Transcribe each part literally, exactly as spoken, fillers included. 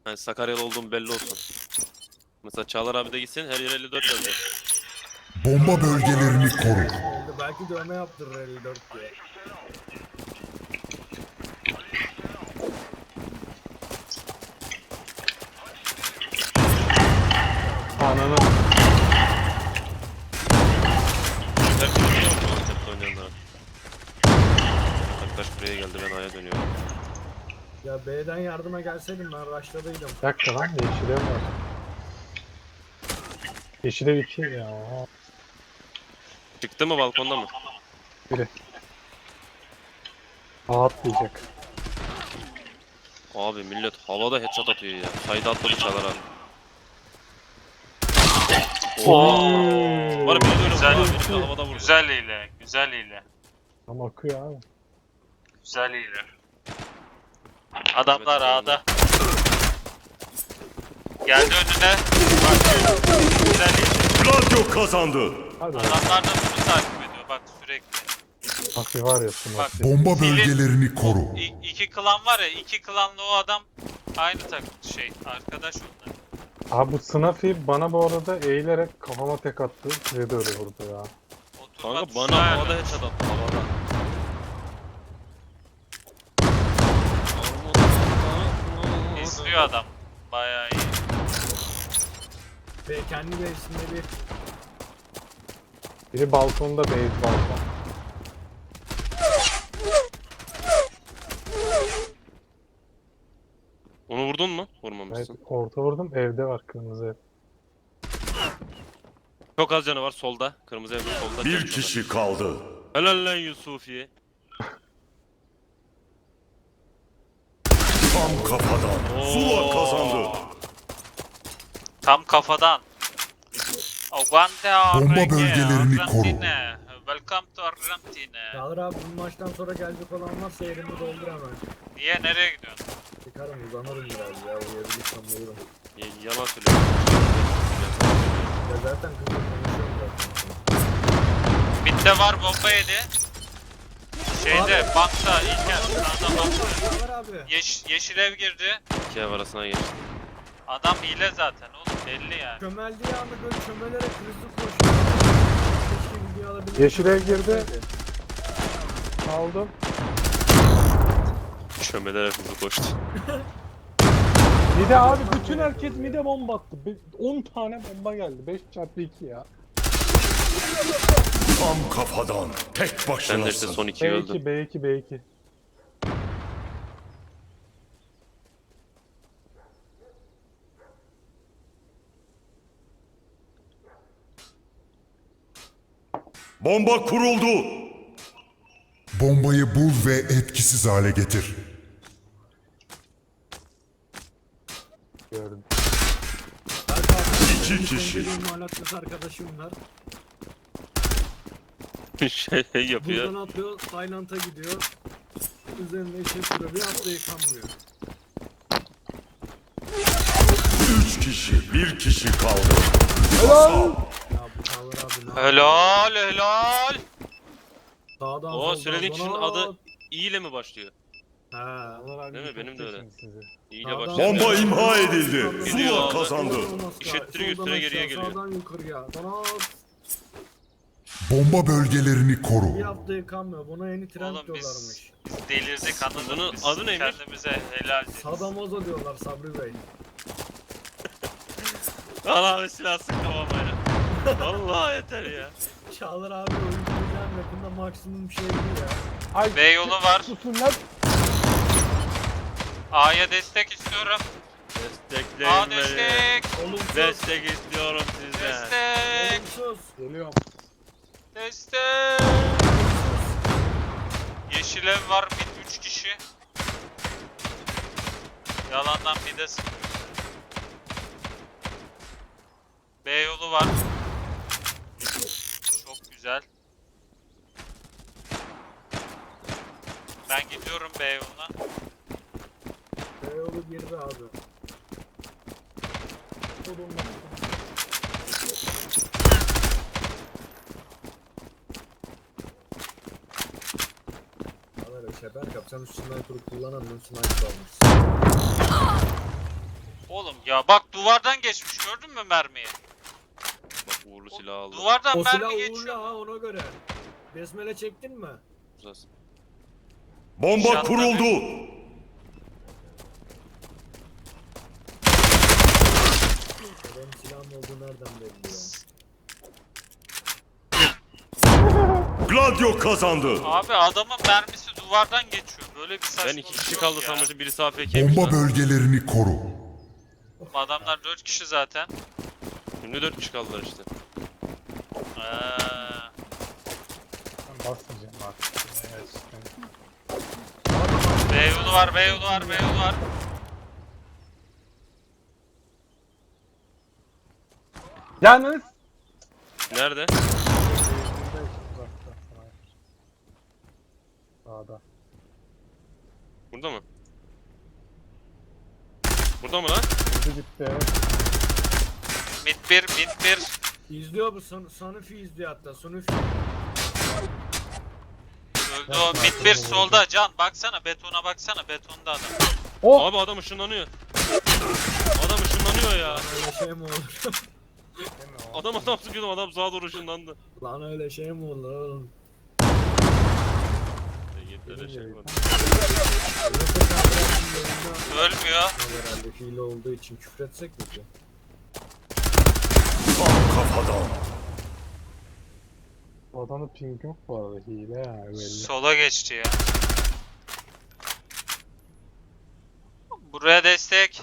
Yani Sakaryalı olduğum belli olsun. Mesela Çağlar abi de gitsin her yer elli dört yazıyor. Bomba bölgelerini koru. Oldu. Belki dövme yaptırır elli dört diye. Ananı. Her şey biliyor musun Antep'te oynayanlara? Arkadaş buraya geldi, ben A'ya dönüyorum. Ya B'den yardıma gelseydim ben rush'ladaydım. Bir dakika lan, yeşile var. Yeşile iki ya. Çıktı mı, balkonda mı? Biri. A atlayacak. Abi millet havada headshot atıyor ya. Sayda atladı Çağlar abi. Oo. Var biri de öyle Güzel, vurdu abi, biri de havada vurdu. Güzel hile, güzel hile, Tam akıyor abi. güzel hile. Adamlar A'da. Geldi önüne. Bak, güzel hile. Gladio kazandı. Hadi. Adamlar da bunu takip ediyor bak sürekli. Bak bir var ya smoke. Bak. Bomba bölgelerini koru. İ- iki klan var ya, iki klanlı o adam aynı takım şey, arkadaş onlar. Abi bu Snafi bana bu arada eğilerek kafama tek attı. Size de öyle vurdu ya. Oturma Kanka tuşuna bana ayarlı. havada headshot attı, havada. İzliyor adam. Bayağı iyi. B kendi base'inde bir Biri balkonda, base balkon. Onu vurdun mu? Evet, Vurmamışsın. orta vurdum, evde var kırmızı ev. Çok az canı var solda. Kırmızı evde solda. Bir Çok kişi kaldı. solda. Helal lan Yusufiye. Tam kafadan. Zula kazandı. Tam kafadan. Aguante Bomba Argentina. bölgelerini koru. Argentina. Welcome to Argentina. Çağlar abi bu maçtan sonra gelecek olan varsa yerimi doldur hemen. Niye, nereye gidiyorsun? Çıkarım uzanırım biraz ya uyuyabilirsem uyurum. Y- Yalan söylüyorum. Ya zaten kızla konuşuyorum zaten. Mid'de var, bomba yedi. Şeyde, bankta, İlker, sağda bankta. Çağlar abi. Yeş, yeşil ev girdi. İki ev arasına geçti. Adam hile zaten oğlum, belli yani. Çömeldiği anda böyle çömelerek hızlı koşuyor. Keşke video alabilirsem. Yeşil ev girdi. Aldım. Çömelere hızlı koştu. Mide abi bütün herkes mide bomba attı. Be- on tane bomba geldi. beş çarpı iki ya. Tam kafadan. Tek Ben de işte başınasın. son ikiyi B öldüm. iki, B iki, B iki. Bomba kuruldu. Bombayı bul ve etkisiz hale getir. Gördüm. İki kişi. Benim alakası arkadaşım var. şey yapıyor. Buradan atlıyor, Silent'a gidiyor. Üzerinde işe sürüyor, bir hafta yıkanmıyor. Üç kişi. Bir kişi kaldı. Ya bu Çağlar abi ne yapıyor? Helal helal. Sağdan O soldan söylediğin kişinin bana- adı İ ile mi başlıyor? Ha. Değil mi? Benim de öyle. İ ile Sağdan başlıyor. Bomba soldan imha bana- edildi. Gidiyor Zula abi. kazandı. İşittiriyor, Soldan üstüne geriye aşağı, geliyor. Sağdan yukarıya. Bana Bomba bölgelerini koru. bir hafta yıkanmıyor. Buna yeni trend Oğlum biz, diyorlarmış. biz delirdik, anladın Bunun mı? Biz adı neymiş? kendimize helal deriz. Sadamozo diyorlar Sabri Bey. Allah silah sık kafamaya. Vallahi yeter ya. Çağlar abi oyunculayacağım yakında maksimum şey bu ya. Ay, B yolu var. susun lan. A'ya destek istiyorum. Destekleyin A beni. destek. Olumsuz. Destek istiyorum sizden. Destek. Olumsuz. Geliyorum. Destek. Yeşil ev var, mid üç kişi. Yalandan mid'e sıkıyor. B yolu var. Çok güzel. Ben gidiyorum B yoluna. Beyoğlu girdi abi. Çağlar abi şeber yap. Sen üstünden kurup kullanamıyorsun. Sniper almışsın. Ya bak duvardan geçmiş gördün mü mermiyi? Bak uğurlu silah aldı. Duvardan O silah mermi uğurlu geçiyor. ha ona göre. Besmele çektin mi? Uzasın. Bomba İnşallah kuruldu. Benim silahım olduğu nereden belli ya? Gladio kazandı. Abi adamın mermisi duvardan geçiyor. Böyle bir saçmalık Ben iki kişi yok kaldı ya. sanmıştım. Birisi A F K'ymiş Bomba lan. bölgelerini koru. Adamlar dört kişi zaten. Şimdi dört kişi kaldılar işte. Eee. Ben basmayacağım artık. Evet, işte. B yolu var, B yolu var, B yolu var. Yalnız. Nerede? Sağda. Burada mı? Burada mı lan? Hızlı gitti evet. Mid bir, mid bir. İzliyor bu son, Sonufi izliyor hatta Sonufi. Öldü o. Mid bir solda. Can baksana, betona baksana. Betonda adam. Oh! Abi adam ışınlanıyor. Adam ışınlanıyor ya. Öyle şey mi olur? Adam adam sıkıyordum, adam sağa doğru ışınlandı. Lan öyle şey mi olur oğlum? Yeter şey var. Ölmüyor. Herhalde hile olduğu için küfretsek mi ki? Tam kafadan. Bu adamın ping yok bu arada, hile yani belli. Sola geçti ya. Buraya destek.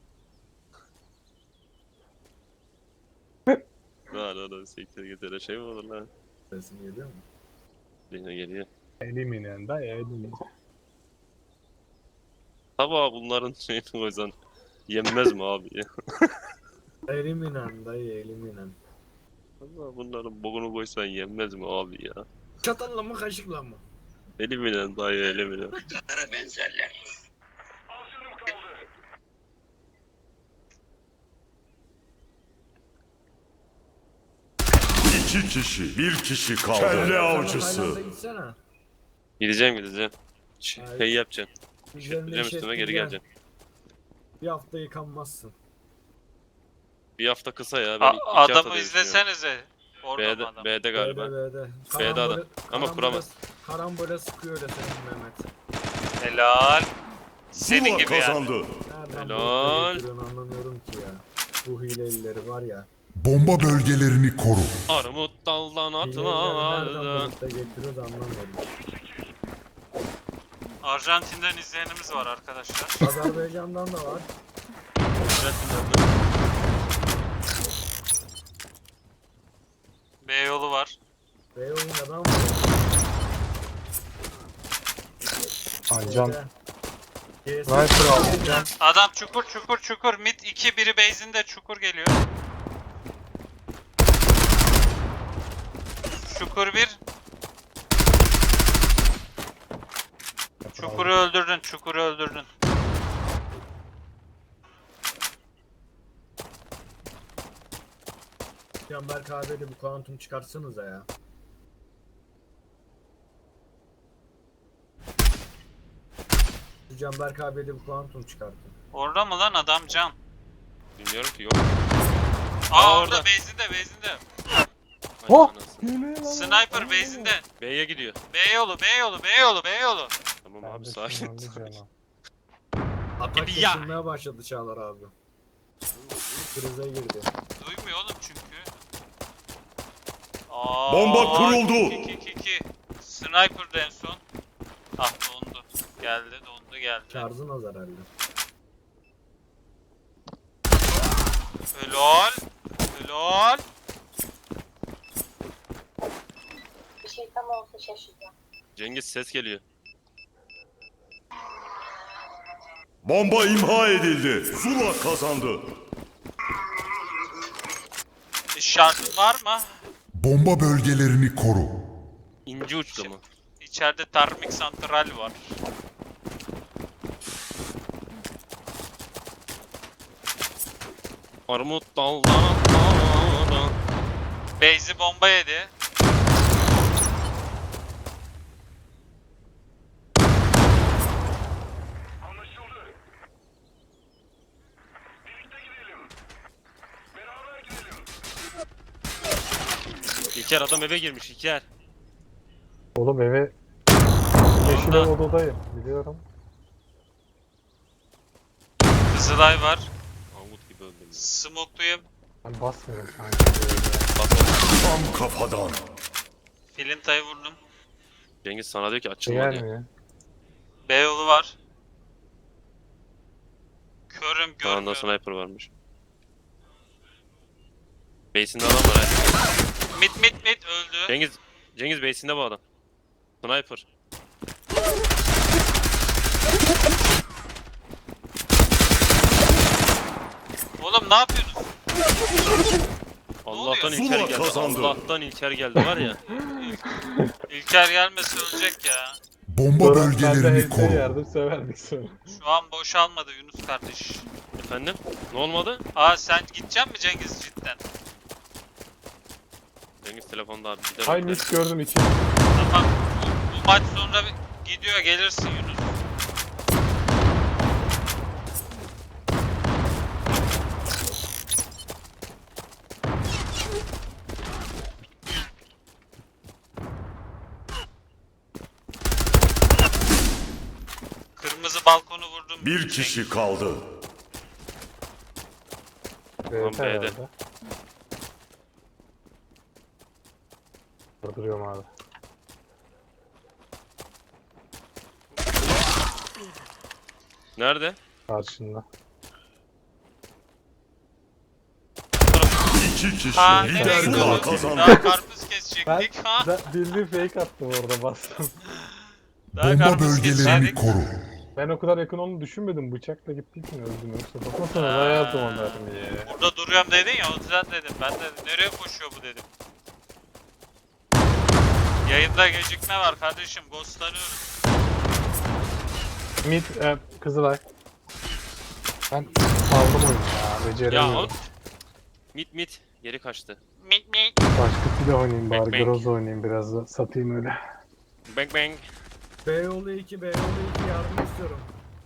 Lan lan sektir getir şey mi olur lan? Sesim geliyor mu? Yine geliyor. Eliminen da eliminen. Tabi abi bunların şeyini koysan yenmez mi abi ya? Eliminen dayı eliminen. Allah bunların bokunu koysan yenmez mi abi ya? Çatalla mı kaşıkla mı? Eliminen dayı eliminen. İki kişi, bir kişi kaldı. Kelle avcısı. Tayland'a gitsene. Gideceğim gideceğim. Hayır. Şey yapacaksın. Üzerine Gideceğim iş üstüme geri ettireceksin. geleceksin. Bir hafta yıkanmazsın. Bir hafta kısa ya. Ben A- iki hafta adamı diye düşünüyorum. izlesenize. Orada mı B'de, adam? B'de galiba. B'de B'de. B'de adam. Ama karambole- kuramaz. Karambole sıkıyor öyle senin Mehmet. Helal. Senin Zula gibi yani. kazandı. Nereden Helal. bu getiriyorsun anlamıyorum ki ya. Bu hilelileri var ya. Bomba bölgelerini koru. Armut daldan Hileleri nereden atlardı. bulup da getiriyor da anlamıyorum. Arjantin'den izleyenimiz var arkadaşlar. Azerbaycan'dan da var. B yolu var. Beyoğlu'ndan var. Can. C'si- Sniper aldı can. Adam çukur çukur çukur. Mid iki, biri base'inde çukur geliyor. Çukur bir. Çukuru öldürdün, çukuru öldürdün. Canberk abiyle bu kuantum çıkartsanıza ya. Şu Canberk abiyle bu kuantum çıkartın. Orada mı lan adam can? Bilmiyorum ki yok. Aa, Aa, orada orada. base'inde base'inde. Ay Oh! anasını. Sniper base'inde. B'ye gidiyor. B yolu, B yolu, B yolu, B yolu. Tamam abi sakin. sakin. Atak Ya. kesilmeye başladı Çağlar abi. Krize girdi. Duymuyor oğlum çünkü. Aa, Bomba kuruldu. iki, iki, iki. Sniper en son. Ah dondu. Geldi, dondu geldi. Şarjın az herhalde. Helal. Helal. Bir şey tam olsa şaşıracağım. Cengiz ses geliyor. Bomba imha edildi. Zula kazandı. İşaretin var mı? Bomba bölgelerini koru. İnce uçta mı? İçeride termik santral var. Armut daldan atlardı. Base'i bomba yedi. İlker adam eve girmiş İlker. Oğlum eve yeşil ev odadayım. Biliyorum. Kızılay var. Angut gibi öldüm. Smokluyum. Ben basmıyorum sanki. Tam kafadan. Filintayı vurdum. Cengiz sana diyor ki Şey açılma diyor. gelmiyor. B yolu var. Körüm Sağında görmüyorum. sniper varmış. Base'inde adam var ha. Mid mid mid öldü. Cengiz, Cengiz base'inde bu adam. Sniper. Oğlum ne yapıyorsunuz? Allah'tan oluyor? İlker Zula geldi. kazandı. Allah'tan İlker geldi var ya. İlker gelmese ölecek ya. Bomba Sonra ben de bölgelerini evde koru. yardım severdik sonra. Şu an boşalmadı Yunus kardeş. Efendim? Ne olmadı? Aa sen gidecek mi Cengiz cidden? Cengiz telefonda abi gider. Hay öyle. mis gördüm iki. Tamam. Bu, bu maç sonra bir- gidiyor gelirsin Yunus. Kırmızı balkonu vurdum. Bir kişi kaldı. Evet, B'de. herhalde. Durduruyorum abi. Nerede? Karşında. İki kişi. Ha Lider nereye gidiyor? Zula bu? kazandı. Daha karpuz Ben, kesecektik ha. ben bildiğin fake attım orada bastım. Daha Bomba karpuz bölgelerini kesecektik. koru. Ben o kadar yakın onu düşünmedim. Bıçakla gittiği için öldüm. Yoksa bakmasana hayatım onların ya. Burada duruyorum dedin ya o yüzden dedim. Ben de nereye koşuyor bu dedim. Yayında gecikme var kardeşim. Ghostlanıyoruz. Mid, e, Kızılay. Ben saldım oyunu ya. Ya Beceremiyorum. oğlum. Mit mit. Geri kaçtı. Mit mit. Başka silah oynayayım bari. Bang, bang. Groz oynayayım biraz da. Satayım öyle. Bang bang. B yolu iki, B yolu iki yardım istiyorum.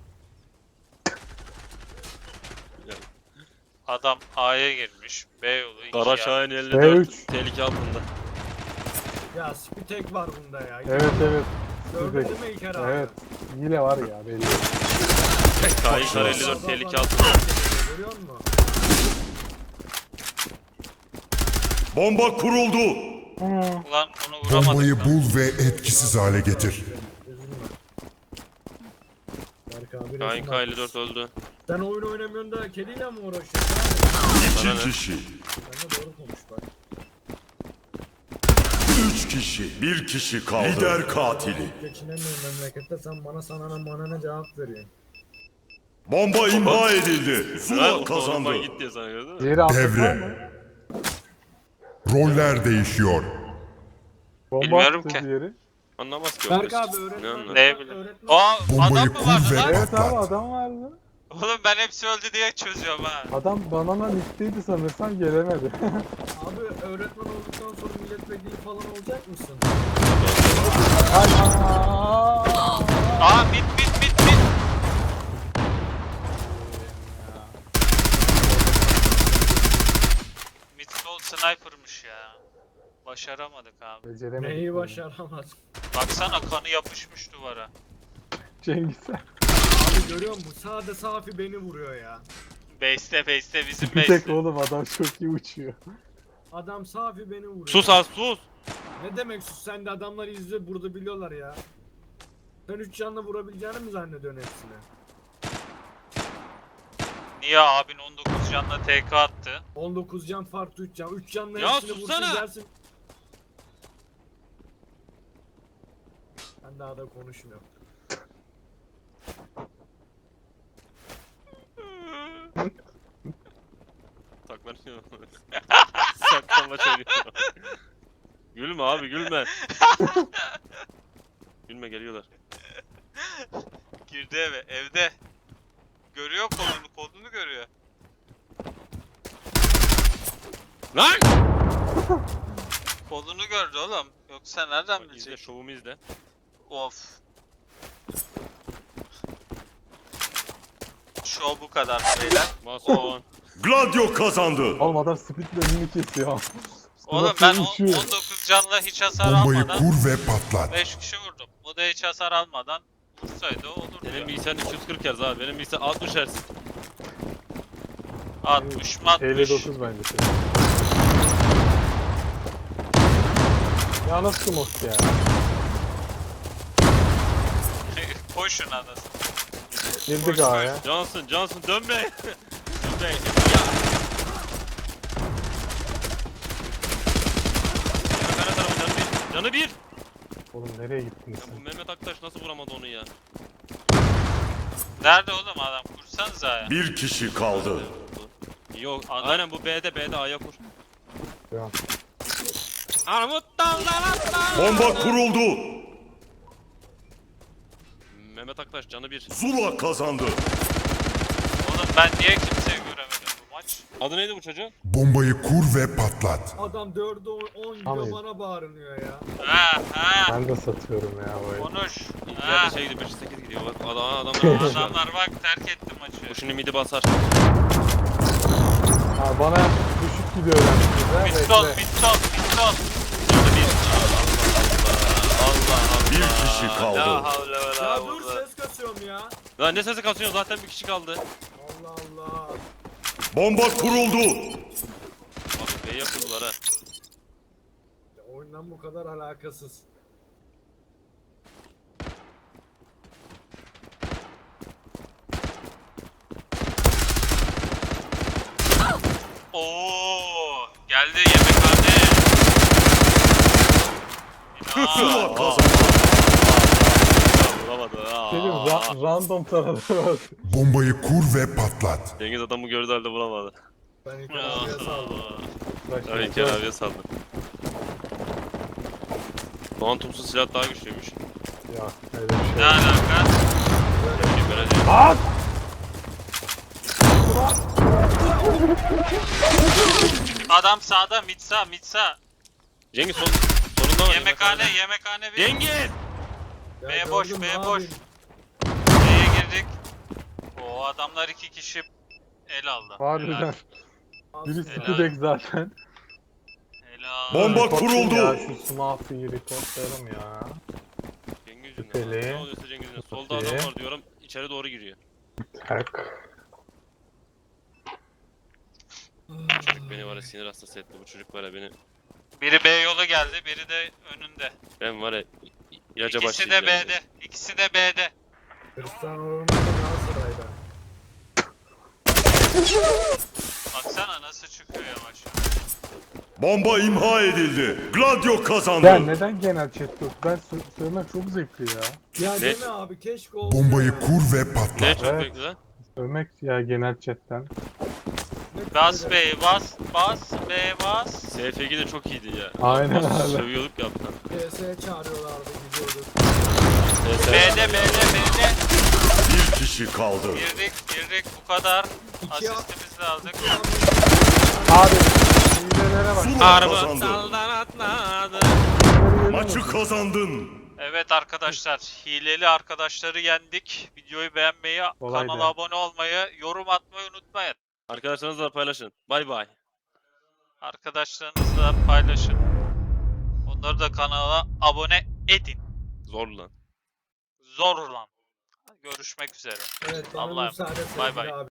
Adam A'ya girmiş. B yolu iki Kara ya. Şahin elli B dört. üç. Tehlike altında. Ya Spitek var bunda ya. Evet evet. Gördün değil mi İlker abi? Evet. Hile var ya belli. Şahin Kara elli Bak, dört bak, tehlike bak. altında. Görüyor musun? Bomba kuruldu. Ulan onu vuramadım. Bombayı ben. bul ve etkisiz hale getir. Üzülme. Berk abi Şahin resim K elli atmış. dört öldü. Sen oyun oynamıyorsun da kediyle mi uğraşıyorsun abi? Bana İki ne? kişi. Sen de doğru konuş bak. Üç kişi. Bir kişi kaldı. Lider katili. Geçinemiyorum memlekette, sen bana sana ne bana ne cevap veriyorsun. Bomba imha edildi. Ha, Zula o kazandı. bomba gitti sana gördün mü? Diğeri altı var mı? Devre. Roller değişiyor. Bomba Bilmiyorum attı ki. diğeri. Anlamaz ki. o Berk kız. abi Ne öğretmen. anlar? Ne bileyim. öğretmen- Aa Bombayı adam mı kur vardı ve lan? Evet abi patlat. adam vardı. Oğlum ben hepsi öldü diye çözüyorum ha. Adam banana nikteydi sanırsam gelemedi. Abi öğretmen olduktan sonra milletvekili falan olacak mısın? Aa mit mit mit mit. Mid sol sniper'mış ya. Başaramadık abi. Beceremedik. Neyi bunu. başaramaz? Baksana kanı yapışmış duvara. Cengiz. Abi görüyor musun? Sade Safi beni vuruyor ya. Base'te base'te bizim Bir tek base'te. oğlum adam çok iyi uçuyor. Adam Safi beni vuruyor. Sus az sus. Ne demek sus? Sen de adamları izle, burada biliyorlar ya. Sen üç canla vurabileceğini mi zannediyorsun hepsine? Niye abin on dokuz canla T K attı? on dokuz can farklı üç can. üç canla Ya hepsini vursun sussana! dersin. Ben daha da konuşmuyorum. Saklanıyor. Saklanma söylüyor. Gülme abi gülme. Gülme geliyorlar. Girdi eve evde. Görüyor kolunu kolunu görüyor. Lan! Kolunu gördü oğlum. Yoksa nereden İzle bilecek? şovumu izle. Of. Show bu kadar beyler. Mason. Gladio kazandı. Oğlum adam speedle önünü kesiyor. Oğlum ben on- uçuyor. on dokuz canla hiç hasar Bombayı almadan kur ve patlat. beş kişi vurdum. Bu da hiç hasar almadan vursaydı olurdu Benim ya. bilgisayar iki yüz kırk Hz abi. Benim bilgisayar altmış Hz. altmış mı altmış? elli dokuz bence. Ya nasıl smoke ya? Koşun anasını. Girdik A'ya. Johnson, Johnson dön be. Dön be. Ya. Mehmet Arama canı bir. Canı bir. Oğlum nereye gittin Ya sen? bu Mehmet Aktaş nasıl vuramadı onu ya? Nerede oğlum adam? Kursanıza ya. Bir kişi kaldı. Yok. Adam- Aynen bu B'de B'de A'ya kur. Ya. Armut dallar atlar. Bomba kuruldu. Mehmet Aktaş canı bir. Zula kazandı. Oğlum ben niye kimseyi göremedim bu maç? Adı neydi bu çocuğun? Bombayı kur ve patlat. Adam dörde on gidiyor Tamam. bana bağırınıyor ya. Ha ha. Ben de satıyorum ya bu oyunu. Konuş. İlk Ha. yerde şey gidiyor beş sekiz gidiyor. Bak adam adamlar Adamlar bak terk etti Bu maçı. şimdi midi basar. Ha, bana düşük gidiyor yani. Midson, midson, midson. Canı bir. Allah Allah. Bir kişi kaldı. La havle ve la Ya dur kuvvete. ses kasıyorum ya. Lan ne sesi kasıyor zaten bir kişi kaldı. Allah Allah. Bomba kuruldu. Abi B'ye kurdular ha. Ya oyundan bu kadar alakasız. Oo, geldi yemekhane. İnan. Zula kazandı. Vuramadı. Aa. Dedim ra- random taradı. Bombayı kur ve patlat. Cengiz adamı gördü halde vuramadı. Ben ilk abiye saldım. Tabii İlker abiye saldı. Kuantumsuz silah daha güçlüymüş. Ya öyle bir Ne şey. alaka? Benim böyle At! Adam sağda, mitsa, mitsa. Cengiz son, sonunda var. Yemekhane, yemekhane bir. Cengiz! Ya B boş, gördün mü B abi? boş. B'ye girdik. O adamlar iki kişi el aldı. Harbiden. Helal. Birisi Helal. Kudek zaten. Helal. Bomba Reportlayayım kuruldu. Ya şu Smart'ı reportlayalım ya. Cengiz Şüpheli. yüzünden. Ne oluyorsa Cengiz yüzünden. Solda Şüpheli. adam var diyorum. İçeri doğru giriyor. Tak. Çocuk beni var ya sinir hastası etti. Bu çocuk var ya beni. Biri B yolu geldi, biri de önünde. Ben var ya ilaca İkisi de başlayacağım. B'de. İkisi de B'de. Cristiano Ronaldo Galatasaray'da. Baksana nasıl çıkıyor yavaş. Bomba imha edildi. Gladio kazandı. Ya neden genel chat yok? Ben sö- söylemek çok zevkli ya. Ya Ne? deme abi keşke olsa. Bombayı ya. kur ve Ne patlat. çok Evet. bekle lan. Söylemek ya genel chatten. Ne Bas böyle? B'yi bas, bas B bas. S F G de çok iyiydi ya. Aynen Nasıl öyle. Sövüyorduk ya alttan. P S'ye çağırıyorlardı gidiyorduk. S F G. B'de, B'de, B'de. Bir kişi kaldı. Girdik, girdik bu kadar. İki Asistimizi de aldık. Abi hilelere bak. Zula Araba kazandı. daldan atladı. Maçı kazandın. Evet arkadaşlar, hileli arkadaşları yendik. Videoyu beğenmeyi, Kolaydı. kanala abone olmayı, yorum atmayı unutmayın. Arkadaşlarınızla paylaşın. Bay bay. Arkadaşlarınızla paylaşın. Onları da kanala abone edin. Zor lan. Zor lan. Görüşmek üzere. Evet bana Allah'ım. müsaade Bay sevgili bay. abi.